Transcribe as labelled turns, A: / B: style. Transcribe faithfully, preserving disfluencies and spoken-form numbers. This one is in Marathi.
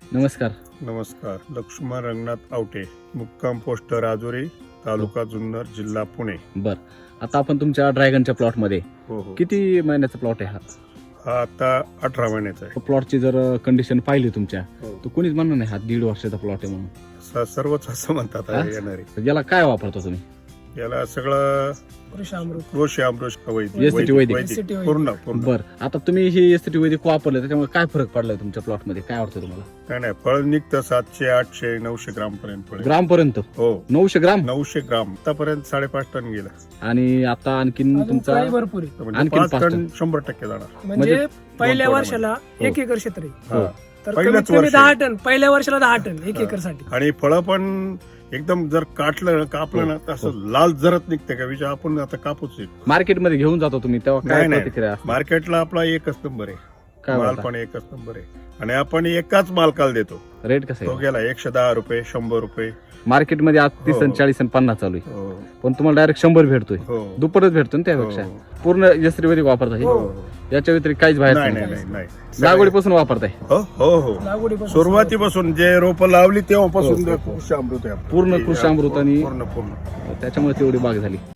A: नमस्कार.
B: नमस्कार. लक्ष्मण रंगनाथ आवटे, मुक्काम पोस्ट राजुरी, तालुका जुन्नर, जिल्हा पुणे.
A: बर, आता आपण तुमच्या ड्रॅगनच्या प्लॉट मध्ये
B: हो हो
A: किती महिन्याचा प्लॉट आहे हा?
B: हा आता अठरा महिन्याचा आहे.
A: प्लॉटची जर कंडिशन पाहिली तुमच्या
B: हो.
A: तर कोणीच म्हणणार नाही हा दीड वर्षाचा प्लॉट आहे म्हणून.
B: स- सर्वच असं म्हणतात
A: हा?
B: आहे येणारे.
A: तर याला काय वापरता तुम्ही?
B: याला सगळं
C: कृषी अमृत
B: कृषी अमृत वैदिक
A: एस टी टी वैदिक.
C: एस टी टी वैदिक.
B: पूर्ण पूर्ण
A: बर, आता तुम्ही ही एस टी वैदिक वापरलं त्याच्यामुळे काय फरक पडलाय तुमच्या प्लॉट मध्ये? काय वाटतं तुम्हाला?
B: काय नाही, फळ निघतं सातशे आठशे नऊशे ग्राम पर्यंत फळ.
A: ग्राम पर्यंत
B: हो,
A: नऊशे ग्राम
B: नऊशे ग्राम आतापर्यंत साडेपाच टन गेला.
A: आणि आता आणखीन
C: अजून
A: तुमचा
C: फळी भरपूर आहे.
B: म्हणजे
A: आणखीन
B: पाच
A: पाच
B: टन
A: टन.
B: शंभर टक्के जाणार.
C: म्हणजे पहिल्या
B: दोन
C: वर्षाला
A: हो.
C: एक एकर क्षेत्र आहे.
B: हा.
C: तर
B: पहिल्याच
C: कमीत कमी
B: वर्षी.
C: दहा टन पहिल्या वर्षाला दहा टन एक
B: हा.
C: एकर साठी.
B: आणि फळं पण एकदम जर काटलं कापलं ना तर असं लाल जरत निघते का विचार. आपण आता कापूच आहे.
A: मार्केटमध्ये घेऊन जातो तुम्ही तेव्हा काय
B: नाही, नाही.
A: प्रतिक्रिया असते?
B: मार्केटला आपला एकच नंबर आहे.
A: काय
B: माल
A: बोलता?
B: पण एकच नंबर आहे आणि आपण एकाच मालकाला देतो.
A: रेट कसं
B: तो
A: आहे
B: गेला एकशे दहा रुपये शंभर रुपये.
A: मार्केटमध्ये आज तीस
B: हो.
A: आणि चाळीस आणि पन्नास चालू आहे,
B: हो
A: पण तुम्हाला डायरेक्ट शंभर भेटतोय.
B: हो
A: दुप्पटच भेटतो ना त्यापेक्षा.
B: हो.
A: पूर्ण एस टी वैदिक वापरताय?
B: हो.
A: याच्या व्यतिरिक्त काहीच बाहेर
B: नाही
A: नाही.
B: नाही नाही नाही
A: लागवडीपासून वापरताय?
B: हो हो हो
C: लागवडीपासून
B: सुरुवातीपासून जे रोपं लावली तेव्हापासून
A: हो.
B: कृषी अमृत आहे आपलं.
A: पूर्ण कृषी अमृत आणि-
B: पूर्ण पूर्ण
A: त्याच्यामुळे तेवढी बाग झाली.